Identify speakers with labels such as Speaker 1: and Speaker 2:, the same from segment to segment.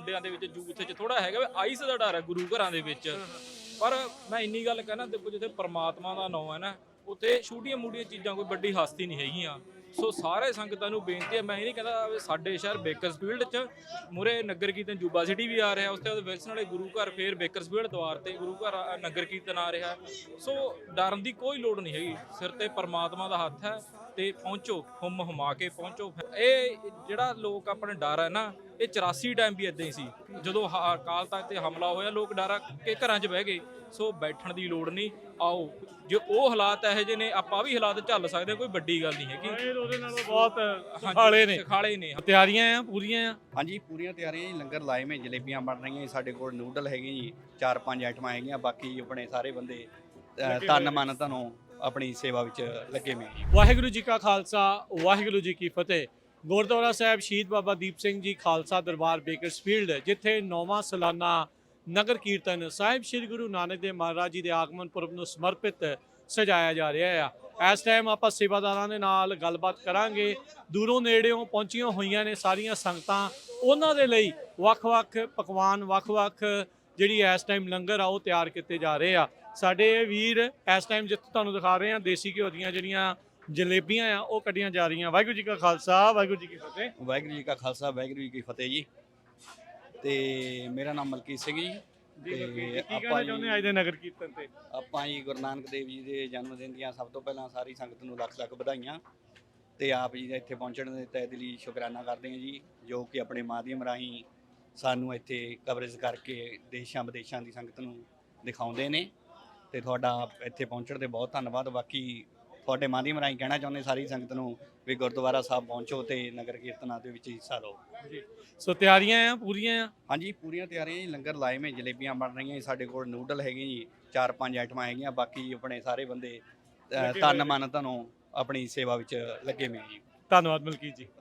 Speaker 1: ਮੁੰਡਿਆਂ ਦੇ ਵਿੱਚ ਯੂਥ 'ਚ ਥੋੜਾ ਹੈਗਾ ਵੀ ਆਈਸ ਦਾ ਡਰ ਹੈ ਗੁਰੂ ਘਰਾਂ ਦੇ ਵਿੱਚ। ਪਰ ਮੈਂ ਇੰਨੀ ਗੱਲ ਕਹਿਣਾ, ਦੇਖੋ ਜਿੱਥੇ ਪਰਮਾਤਮਾ ਦਾ ਨਾਮ ਹੈ ਨਾ, ਉੱਥੇ ਛੋਟੀਆਂ ਮੋਟੀਆਂ ਚੀਜ਼ਾਂ ਕੋਈ ਵੱਡੀ ਹਸਤੀ ਨਹੀਂ ਹੈਗੀਆਂ। ਸੋ ਸਾਰੇ ਸੰਗਤਾਂ ਨੂੰ ਬੇਨਤੀ ਹੈ, ਮੈਂ ਇਹ ਨਹੀਂ ਕਹਿੰਦਾ ਵੀ ਸਾਡੇ ਸ਼ਹਿਰ ਬੇਕਰਸਫੀਲਡ 'ਚ ਮੂਹਰੇ ਨਗਰ ਕੀਰਤਨ ਜੂਬਾ ਸਿਟੀ ਵੀ ਆ ਰਿਹਾ, ਉਸ ਤੋਂ ਬਾਅਦ ਵਿਲਸਨ ਵਾਲੇ ਗੁਰੂ ਘਰ, ਫੇਰ ਬੇਕਰਸਫੀਲਡ ਦੁਆਰ ਤੇ ਗੁਰੂ ਘਰ ਨਗਰ ਕੀਰਤਨ ਆ ਰਿਹਾ। ਸੋ ਡਰਨ ਦੀ ਕੋਈ ਲੋੜ ਨਹੀਂ ਹੈਗੀ, ਸਿਰ ਤੇ ਪਰਮਾਤਮਾ ਦਾ ਹੱਥ ਹੈ ਤੇ ਪਹੁੰਚੋ, ਹੁਮ ਹੁਮਾ ਕੇ ਪਹੁੰਚੋ। ਇਹ ਜਿਹੜਾ ਲੋਕ ਆਪਣੇ ਡਰ ਹੈ ਨਾ, ਇਹ 84 ਟਾਈਮ ਵੀ ਇਦਾਂ ਹੀ ਸੀ, ਜਦੋਂ ਅਕਾਲ ਤਖਤ ਤੇ ਹਮਲਾ ਹੋਇਆ ਲੋਕ ਡਰ ਕੇ ਘਰਾਂ 'ਚ ਬਹਿ ਗਏ। ਸੋ ਬੈਠਣ ਦੀ ਲੋੜ ਨਹੀਂ, ਆਓ ਜੇ ਉਹ ਹਾਲਾਤ ਇਹੋ ਜਿਹੇ ਨੇ, ਆਪਾਂ ਵੀ ਹਾਲਾਤ ਝੱਲ ਸਕਦੇ, ਕੋਈ ਵੱਡੀ ਗੱਲ ਨਹੀਂ ਹੈਗੀ।
Speaker 2: ਉਹਦੇ ਨਾਲੋਂ ਬਹੁਤ ਸੁਖਾਲੇ
Speaker 1: ਨੇ।
Speaker 2: ਤਿਆਰੀਆਂ ਆ ਪੂਰੀਆਂ ਆ?
Speaker 3: ਹਾਂਜੀ ਪੂਰੀਆਂ ਤਿਆਰੀਆਂ ਜੀ। ਲੰਗਰ ਲਾਏ ਮੈਂ, ਜਲੇਬੀਆਂ ਬਣ ਰਹੀਆਂ ਜੀ, ਸਾਡੇ ਕੋਲ ਨੂਡਲ ਹੈਗੇ ਜੀ, 4-5 ਆਈਟਮਾਂ ਹੈਗੀਆਂ। ਬਾਕੀ ਆਪਣੇ ਸਾਰੇ ਬੰਦੇ ਤਨ ਮਨ ਧਨੋਂ ਆਪਣੀ ਸੇਵਾ ਵਿੱਚ ਲੱਗੇ ਹੋਏ ਜੀ।
Speaker 2: ਵਾਹਿਗੁਰੂ ਜੀ ਕਾ ਖਾਲਸਾ, ਵਾਹਿਗੁਰੂ ਜੀ ਕੀ ਫਤਿਹ। ਗੁਰਦੁਆਰਾ ਸਾਹਿਬ ਸ਼ਹੀਦ ਬਾਬਾ ਦੀਪ ਸਿੰਘ ਜੀ ਖਾਲਸਾ ਦਰਬਾਰ ਬੇਕਰਸਫੀਲਡ, ਜਿੱਥੇ 9ਵਾਂ ਸਾਲਾਨਾ ਨਗਰ ਕੀਰਤਨ ਸਾਹਿਬ ਸ੍ਰੀ ਗੁਰੂ ਨਾਨਕ ਦੇਵ ਮਹਾਰਾਜ ਜੀ ਦੇ ਆਗਮਨ ਪੁਰਬ ਨੂੰ ਸਮਰਪਿਤ ਸਜਾਇਆ ਜਾ ਰਿਹਾ ਆ। ਇਸ ਟਾਈਮ ਆਪਾਂ ਸੇਵਾਦਾਰਾਂ ਦੇ ਨਾਲ ਗੱਲਬਾਤ ਕਰਾਂਗੇ। ਦੂਰੋਂ ਨੇੜਿਓਂ ਪਹੁੰਚੀਆਂ ਹੋਈਆਂ ਨੇ ਸਾਰੀਆਂ ਸੰਗਤਾਂ, ਉਹਨਾਂ ਦੇ ਲਈ ਵੱਖ-ਵੱਖ ਪਕਵਾਨ, ਵੱਖ-ਵੱਖ ਜਿਹੜੀ ਇਸ ਟਾਈਮ ਲੰਗਰ ਆ ਉਹ ਤਿਆਰ ਕੀਤੇ ਜਾ ਰਹੇ ਆ। ਸਾਡੇ ਵੀਰ ਇਸ ਟਾਈਮ ਜਿੱਥੇ ਤੁਹਾਨੂੰ ਦਿਖਾ ਰਹੇ ਆ, ਦੇਸੀ ਘਿਓ ਦੀਆਂ ਜਿਹੜੀਆਂ ਜਲੇਬੀਆਂ ਆ ਉਹ ਕੱਢੀਆਂ ਜਾ ਰਹੀਆਂ। ਵਾਹਿਗੁਰੂ ਜੀ ਕਾ ਖਾਲਸਾ, ਵਾਹਿਗੁਰੂ ਜੀ ਕੀ ਫਤਿਹ।
Speaker 3: ਵਾਹਿਗੁਰੂ ਜੀ ਕਾ ਖਾਲਸਾ, ਵਾਹਿਗੁਰੂ ਜੀ ਕੀ ਫਤਿਹ ਜੀ। ਤੇ ਮੇਰਾ ਨਾਮ ਮਲਕੀਤ ਸਿੰਘ ਜੀ।
Speaker 2: ਕੀ ਕਹਿਣਾ ਚਾਹੁੰਦੇ ਅੱਜ ਦੇ ਨਗਰ ਕੀਰਤਨ ਤੇ?
Speaker 3: ਆਪਾਂ ਜੀ ਗੁਰੂ ਨਾਨਕ ਦੇਵ ਜੀ ਦੇ ਜਨਮ ਦਿਨ ਦੀਆਂ ਸਭ ਤੋਂ ਪਹਿਲਾਂ ਸਾਰੀ ਸੰਗਤ ਨੂੰ ਲੱਖ ਲੱਖ ਵਧਾਈਆਂ, ਤੇ ਆਪ ਜੀ ਦਾ ਇੱਥੇ ਪਹੁੰਚਣ ਦੇ ਤਹਿ ਦਿਲੀ ਸ਼ੁਕਰਾਨਾ ਕਰਦੇ ਹਾਂ ਜੀ, ਜੋ ਕਿ ਆਪਣੇ ਮਾਧਿਅਮ ਰਾਹੀਂ ਸਾਨੂੰ ਇੱਥੇ ਕਵਰੇਜ ਕਰਕੇ ਦੇਸ਼ਾਂ ਵਿਦੇਸ਼ਾਂ ਦੀ ਸੰਗਤ ਨੂੰ ਦਿਖਾਉਂਦੇ ਨੇ। ਤੇ ਤੁਹਾਡਾ ਇੱਥੇ ਪਹੁੰਚਣ ਤੇ ਬਹੁਤ ਧੰਨਵਾਦ। ਬਾਕੀ ਤੁਹਾਡੇ ਮਾਧਿਅਮ ਰਾਹੀਂ ਕਹਿਣਾ ਚਾਹੁੰਦੇ ਸਾਰੀ ਸੰਗਤ ਨੂੰ ਵੀ ਗੁਰਦੁਆਰਾ ਸਾਹਿਬ ਪਹੁੰਚੋ ਤੇ ਨਗਰ ਕੀਰਤਨਾਂ ਦੇ ਵਿੱਚ ਹਿੱਸਾ ਲਓ
Speaker 2: ਜੀ। ਸੋ ਤਿਆਰੀਆਂ ਆ ਪੂਰੀਆਂ ਆ?
Speaker 3: ਹਾਂਜੀ ਪੂਰੀਆਂ ਤਿਆਰੀਆਂ ਜੀ। ਲੰਗਰ ਲਾਏ ਮੈਂ, ਜਲੇਬੀਆਂ ਬਣ ਰਹੀਆਂ ਜੀ, ਸਾਡੇ ਕੋਲ ਨੂਡਲ ਹੈਗੇ ਜੀ, 4-5 ਆਈਟਮਾਂ ਹੈਗੀਆਂ। ਬਾਕੀ ਆਪਣੇ ਸਾਰੇ ਬੰਦੇ ਤਨ ਮਨ ਧਨੋਂ ਆਪਣੀ ਸੇਵਾ ਵਿੱਚ ਲੱਗੇ ਹੋਏ ਜੀ।
Speaker 2: ਧੰਨਵਾਦ ਮਲਕੀਤ ਜੀ।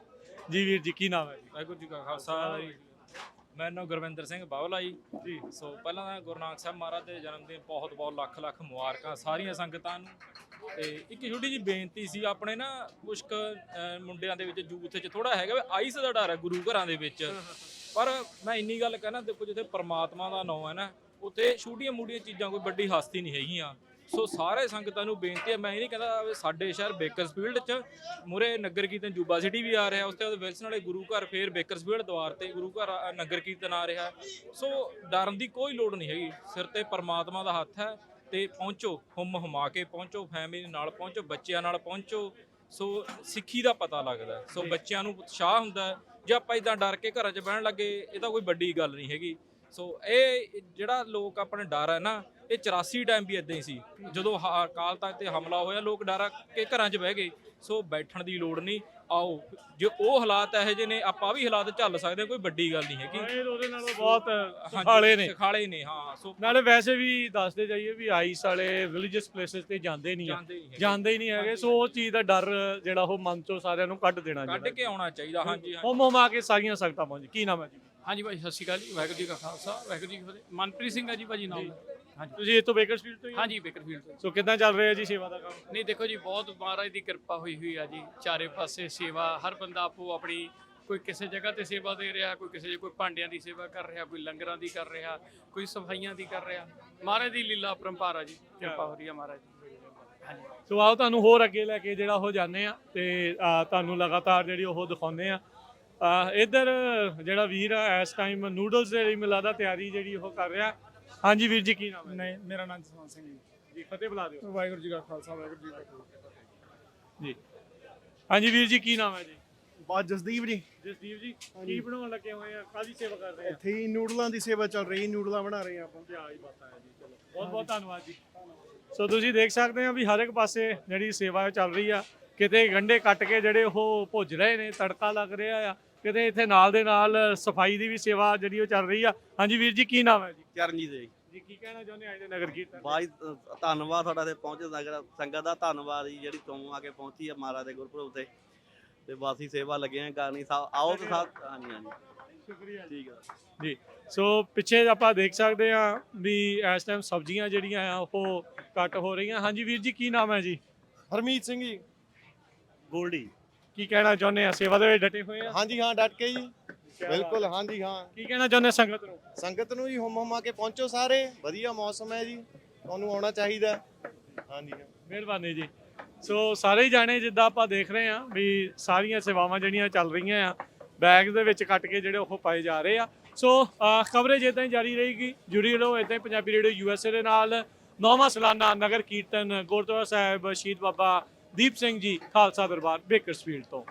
Speaker 2: ਜੀ ਵੀਰ ਜੀ, ਕੀ ਨਾਮ ਹੈ ਜੀ?
Speaker 1: ਵਾਹਿਗੁਰੂ ਜੀ ਕਾ ਖਾਲਸਾ। ਮੇਰਾ ਨਾਮ ਗੁਰਵਿੰਦਰ ਸਿੰਘ ਬਾਵਲਾ ਜੀ। ਸੋ ਪਹਿਲਾਂ ਤਾਂ ਗੁਰੂ ਨਾਨਕ ਸਾਹਿਬ ਮਹਾਰਾਜ ਦੇ ਜਨਮ ਦਿਨ ਬਹੁਤ ਬਹੁਤ ਲੱਖ ਲੱਖ ਮੁਬਾਰਕਾਂ ਸਾਰੀਆਂ ਸੰਗਤਾਂ ਨੂੰ। ਤੇ ਇੱਕ ਛੋਟੀ ਜਿਹੀ ਬੇਨਤੀ ਸੀ, ਆਪਣੇ ਨਾ ਕੁਛ ਮੁੰਡਿਆਂ ਦੇ ਵਿੱਚ ਯੂਥ 'ਚ ਥੋੜਾ ਹੈਗਾ ਵੀ ਆਈਸ ਦਾ ਡਰ ਹੈ ਗੁਰੂ ਘਰਾਂ ਦੇ ਵਿੱਚ। ਪਰ ਮੈਂ ਇੰਨੀ ਗੱਲ ਕਹਿਣਾ, ਦੇਖੋ ਜਿੱਥੇ ਪਰਮਾਤਮਾ ਦਾ ਨਾਮ ਹੈ ਨਾ, ਉੱਥੇ ਛੋਟੀਆਂ ਮੋਟੀਆਂ ਚੀਜ਼ਾਂ ਕੋਈ ਵੱਡੀ ਹਸਤੀ ਨਹੀਂ ਹੈਗੀਆਂ। ਸੋ ਸਾਰੇ ਸੰਗਤਾਂ ਨੂੰ ਬੇਨਤੀ ਹੈ, ਮੈਂ ਇਹ ਨਹੀਂ ਕਹਿੰਦਾ ਵੀ ਸਾਡੇ ਸ਼ਹਿਰ ਬੇਕਰਸਫੀਲਡ 'ਚ ਮੂਹਰੇ ਨਗਰ ਕੀਰਤਨ ਜੂਬਾ ਸਿਟੀ ਵੀ ਆ ਰਿਹਾ, ਉਸ ਤੋਂ ਬਾਅਦ ਵਿਲਸਨ ਵਾਲੇ ਗੁਰੂ ਘਰ, ਫੇਰ ਬੇਕਰਸਫੀਲਡ ਦੁਆਰ ਤੇ ਗੁਰੂ ਘਰ ਨਗਰ ਕੀਰਤਨ ਆ ਰਿਹਾ। ਸੋ ਡਰਨ ਦੀ ਕੋਈ ਲੋੜ ਨਹੀਂ ਹੈਗੀ, ਸਿਰ ਤੇ ਪਰਮਾਤਮਾ ਦਾ ਹੱਥ ਹੈ ਤੇ ਪਹੁੰਚੋ, ਹੁਮ ਹੁਮਾ ਕੇ ਪਹੁੰਚੋ, ਫੈਮਿਲੀ ਨਾਲ ਪਹੁੰਚੋ, ਬੱਚਿਆਂ ਨਾਲ ਪਹੁੰਚੋ। ਸੋ ਸਿੱਖੀ ਦਾ ਪਤਾ ਲੱਗਦਾ, ਸੋ ਬੱਚਿਆਂ ਨੂੰ ਉਤਸ਼ਾਹ ਹੁੰਦਾ। ਜੇ ਆਪਾਂ ਇਦਾਂ ਡਰ ਕੇ ਘਰਾਂ 'ਚ ਬਹਿਣ ਲੱਗੇ, ਇਹ ਤਾਂ ਕੋਈ ਵੱਡੀ ਗੱਲ ਨਹੀਂ ਹੈਗੀ। ਸੋ ਇਹ ਜਿਹੜਾ ਲੋਕ ਆਪਣੇ ਡਰ ਹੈ ਨਾ, ਇਹ 84 ਟਾਈਮ ਵੀ ਇਦਾਂ ਹੀ ਸੀ, ਜਦੋਂ ਅਕਾਲ ਤਖਤ ਤੇ ਹਮਲਾ ਹੋਇਆ ਲੋਕ ਡਰ ਕੇ ਘਰਾਂ 'ਚ ਬਹਿ ਗਏ। ਸੋ ਬੈਠਣ ਦੀ ਲੋੜ ਨਹੀਂ, ਆਓ ਜੇ ਉਹ ਹਾਲਾਤ ਇਹੋ ਜਿਹੇ ਨੇ, ਆਪਾਂ ਵੀ ਹਾਲਾਤ ਝੱਲ ਸਕਦੇ, ਕੋਈ ਵੱਡੀ ਗੱਲ ਨਹੀਂ ਹੈਗੀ।
Speaker 2: ਉਹਦੇ ਨਾਲੋਂ ਬਹੁਤ ਸੁਖਾਲੇ ਨੇ।
Speaker 1: ਹਾਂ, ਸੋ
Speaker 2: ਨਾਲੇ ਵੈਸੇ ਵੀ ਦੱਸਦੇ ਜਾਈਏ ਵੀ ਆਈਸ ਵਾਲੇ ਰਿਲੀਜੀਅਸ ਪਲੇਸਿਸ ਤੇ ਜਾਂਦੇ ਹੀ ਨਹੀਂ ਹੈਗੇ। ਸੋ ਉਹ ਚੀਜ਼ ਦਾ ਡਰ ਜਿਹੜਾ ਉਹ ਮਨ ਚੋਂ ਸਾਰਿਆਂ ਨੂੰ ਕੱਢ ਦੇਣਾ,
Speaker 1: ਕੱਢ ਕੇ ਆਉਣਾ ਚਾਹੀਦਾ। ਹਾਂਜੀ
Speaker 2: ਹੋਮ ਆ ਕੇ ਸਾਰੀਆਂ ਸੰਗਤਾਂ ਪਹੁੰਚ। ਕੀ ਨਾਮ ਹੈ ਜੀ?
Speaker 4: ਹਾਂਜੀ ਭਾਈ, ਸਤਿ ਸ਼੍ਰੀ ਅਕਾਲ ਜੀ। ਵਾਹਿਗੁਰੂ ਜੀ ਕਾ ਖਾਲਸਾ, ਵਾਹਿਗੁਰੂ ਜੀ ਕੀ ਫਤਿਹ। ਮਨਪ੍ਰੀਤ ਸਿੰਘ ਆ ਜੀ ਭਾਜੀ ਨਾਮ। ਹਾਂਜੀ,
Speaker 2: ਤੁਸੀਂ ਇੱਥੋਂ ਬੇਕਰਸਫੀਲਡ ਤੋਂ ਹੀ?
Speaker 4: ਹਾਂਜੀ ਬੇਕਰਫੀਲਡ ਤੋਂ।
Speaker 2: ਸੋ ਕਿੱਦਾਂ ਚੱਲ ਰਿਹਾ ਜੀ ਸੇਵਾ ਦਾ ਕੰਮ?
Speaker 4: ਨਹੀਂ ਦੇਖੋ ਜੀ, ਬਹੁਤ ਮਹਾਰਾਜ ਦੀ ਕਿਰਪਾ ਹੋਈ ਆ ਜੀ। ਚਾਰੇ ਪਾਸੇ ਸੇਵਾ, ਹਰ ਬੰਦਾ ਆਪੋ ਆਪਣੀ, ਕੋਈ ਕਿਸੇ ਜਗ੍ਹਾ ਤੇ ਸੇਵਾ ਦੇ ਰਿਹਾ, ਕੋਈ ਕਿਸੇ ਕੋਈ ਭਾਂਡਿਆਂ ਦੀ ਸੇਵਾ ਕਰ ਰਿਹਾ, ਕੋਈ ਲੰਗਰਾਂ ਦੀ ਕਰ ਰਿਹਾ, ਕੋਈ ਸਫਾਈਆਂ ਦੀ ਕਰ ਰਿਹਾ। ਮਹਾਰਾਜ ਦੀ ਲੀਲਾ ਪਰੰਪਰਾ ਜੀ, ਕਿਰਪਾ ਹੋ ਰਹੀ ਆ ਮਹਾਰਾਜ ਦੀ। ਹਾਂਜੀ,
Speaker 2: ਸੋ ਆਓ ਤੁਹਾਨੂੰ ਹੋਰ ਅੱਗੇ ਲੈ ਕੇ ਜਿਹੜਾ ਉਹ ਜਾਂਦੇ ਆ ਤੇ ਤੁਹਾਨੂੰ ਲਗਾਤਾਰ ਜਿਹੜੀ ਉਹ ਦਿਖਾਉਂਦੇ ਆ। ਇੱਧਰ ਜਿਹੜਾ ਵੀਰ ਆ ਇਸ ਟਾਈਮ ਨੂਡਲਸ ਦੇ ਲਈ ਮਿਲਦਾ ਤਿਆਰੀ ਜਿਹੜੀ ਉਹ ਕਰ ਰਿਹਾ। ਹਾਂਜੀ ਵੀਰ ਜੀ, ਕੀ ਨਾਮ ਹੈ?
Speaker 5: ਨਹੀਂ, ਮੇਰਾ ਨਾਮ ਜਸਵੰਤ ਸਿੰਘ
Speaker 2: ਜੀ। ਫਤਿਹ ਬੁਲਾ ਦਿਓ।
Speaker 5: ਵਾਹਿਗੁਰੂ ਜੀ ਕਾ ਖਾਲਸਾ, ਵਾਹਿਗੁਰੂ ਜੀ ਕੀ ਫਤਿਹ
Speaker 2: ਜੀ। ਹਾਂਜੀ ਵੀਰ ਜੀ, ਕੀ ਨਾਮ ਹੈ ਜੀ?
Speaker 5: ਬਾਤ ਜਸਦੀਪ ਜੀ।
Speaker 2: ਜਸਦੀਪ ਜੀ, ਕੀ ਬਣਾਉਣ ਲੱਗੇ ਹੋਏ ਆ? ਕਾਹਦੀ ਸੇਵਾ ਕਰ ਰਹੇ ਆ?
Speaker 5: ਇੱਥੇ ਹੀ ਨੂਡਲਾਂ ਦੀ ਸੇਵਾ ਚੱਲ ਰਹੀ, ਨੂਡਲਾਂ ਬਣਾ ਰਹੇ ਆਪਾਂ।
Speaker 2: ਕੀ ਬਾਤ ਹੈ ਜੀ। ਚਲੋ ਬਹੁਤ ਬਹੁਤ ਧੰਨਵਾਦ ਜੀ। ਸੋ ਤੁਸੀਂ ਦੇਖ ਸਕਦੇ ਆ ਵੀ ਹਰ ਇੱਕ ਪਾਸੇ ਜਿਹੜੀ ਸੇਵਾ ਚੱਲ ਰਹੀ ਆ। ਕਿਤੇ ਗੰਢੇ ਕੱਟ ਕੇ ਜਿਹੜੇ ਉਹ ਭੁੱਜ ਰਹੇ ਨੇ, ਤੜਕਾ ਲੱਗ ਰਿਹਾ ਆ। ਕਿਤੇ ਇੱਥੇ ਨਾਲ ਦੇ ਨਾਲ ਸਫਾਈ ਦੀ ਵੀ ਸੇਵਾ ਜਿਹੜੀ ਉਹ ਚੱਲ ਰਹੀ ਆ। ਹਾਂਜੀ ਵੀਰ ਜੀ, ਕੀ ਨਾਮ ਹੈ ਜੀ?
Speaker 6: ਚਰਨਜੀਤ ਜੀ।
Speaker 2: ਕੀ ਕਹਿਣਾ ਚਾਹੁੰਦੇ ਅੱਜ ਦੇ ਨਗਰ ਕੀਰਤਨ?
Speaker 6: ਬਾਈ ਧੰਨਵਾਦ ਤੁਹਾਡਾ ਤੇ ਪਹੁੰਚੇ ਨਗਰ ਸੰਗਤ ਦਾ, ਧੰਨਵਾਦ ਜੀ ਜਿਹੜੀ ਤੋਂ ਆ ਕੇ ਪਹੁੰਚੀ ਆ ਮਹਾਰਾਜ ਦੇ ਗੁਰਪੁਰਬ ਤੇ ਬਾਸੀ ਸੇਵਾ ਲੱਗੇ ਆ ਕਰਨੀ। ਆਓ ਤੇ ਸਾਥ। ਹਾਂਜੀ
Speaker 2: ਸ਼ੁਕਰੀਆ,
Speaker 6: ਠੀਕ ਆ
Speaker 2: ਜੀ। ਸੋ ਪਿੱਛੇ ਆਪਾਂ ਦੇਖ ਸਕਦੇ ਆ ਵੀ ਇਸ ਟਾਈਮ ਸਬਜ਼ੀਆਂ ਜਿਹੜੀਆਂ ਆ ਉਹ ਕੱਟ ਹੋ ਰਹੀਆਂ। ਹਾਂਜੀ ਵੀਰ ਜੀ, ਕੀ ਨਾਮ ਹੈ ਜੀ?
Speaker 5: ਹਰਮੀਤ ਸਿੰਘ ਜੀ।
Speaker 6: ਗੋਲਡੀ।
Speaker 2: ਕੀ ਕਹਿਣਾ ਚਾਹੁੰਦੇ ਆ? ਸੇਵਾ ਦੇ ਵਿੱਚ ਡਟੇ ਹੋਏ ਆ?
Speaker 5: ਹਾਂਜੀ ਹਾਂ, ਡਟ ਕੇ ਜੀ। ਬਿਲਕੁਲ ਹਾਂਜੀ ਹਾਂ।
Speaker 2: ਕੀ ਕਹਿਣਾ ਚਾਹੁੰਦੇ ਸੰਗਤ ਨੂੰ?
Speaker 5: ਸੰਗਤ ਨੂੰ ਜੀ ਹੁਮ ਹੁਮਾ ਕੇ ਪਹੁੰਚੋ ਸਾਰੇ, ਵਧੀਆ ਮੌਸਮ ਹੈ ਜੀ, ਤੁਹਾਨੂੰ ਆਉਣਾ ਚਾਹੀਦਾ। ਹਾਂਜੀ ਹਾਂ।
Speaker 2: ਮਿਹਰਬਾਨੀ ਜੀ। ਸੋ ਸਾਰੇ ਹੀ ਜਾਣੇ ਜਿੱਦਾਂ ਆਪਾਂ ਦੇਖ ਰਹੇ ਹਾਂ ਵੀ ਸਾਰੀਆਂ ਸੇਵਾਵਾਂ ਜਿਹੜੀਆਂ ਚੱਲ ਰਹੀਆਂ ਆ ਬੈਗ ਦੇ ਵਿੱਚ ਕੱਟ ਕੇ ਜਿਹੜੇ ਉਹ ਪਾਏ ਜਾ ਰਹੇ ਆ। ਸੋ ਕਵਰੇਜ ਇਦਾਂ ਹੀ ਜਾਰੀ ਰਹੇਗੀ, ਜੁੜੀ ਰਹੋ ਇਦਾਂ ਹੀ ਪੰਜਾਬੀ ਰੇਡੀਓ USA ਦੇ ਨਾਲ। 9ਵਾਂ ਸਾਲਾਨਾ ਨਗਰ ਕੀਰਤਨ ਗੁਰਦੁਆਰਾ ਸਾਹਿਬ ਸ਼ਹੀਦ ਬਾਬਾ ਦੀਪ ਸਿੰਘ ਜੀ ਖਾਲਸਾ ਦਰਬਾਰ ਬੇਕਰਸਫੀਲਡ ਤੋਂ।